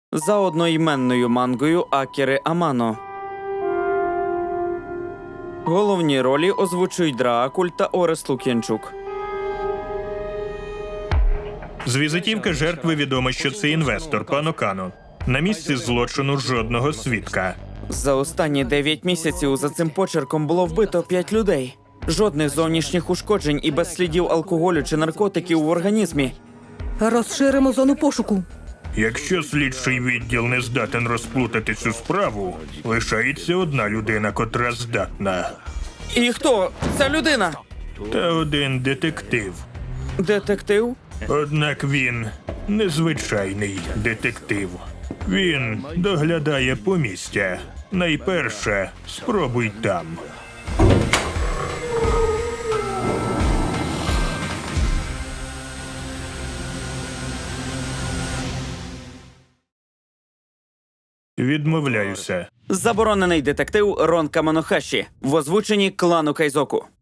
за одноіменною мангою Акіри Амано. Головні ролі озвучують Драакуль та Орес Лук'янчук. З візитівки жертви відомо, що це інвестор, пан Окано. На місці злочину жодного свідка. За останні 9 місяців за цим почерком було вбито 5 людей. Жодних зовнішніх ушкоджень і без слідів алкоголю чи наркотиків в організмі. Розширимо зону пошуку. Якщо слідчий відділ не здатен розплутати цю справу, лишається одна людина, котра здатна. І хто ця людина? Та один детектив. Детектив? Однак він незвичайний детектив. Він доглядає помістя. Найперше, спробуй там. Відмовляюся. Заборонений детектив Рон Камонохаші в озвученні клану Кайзоку.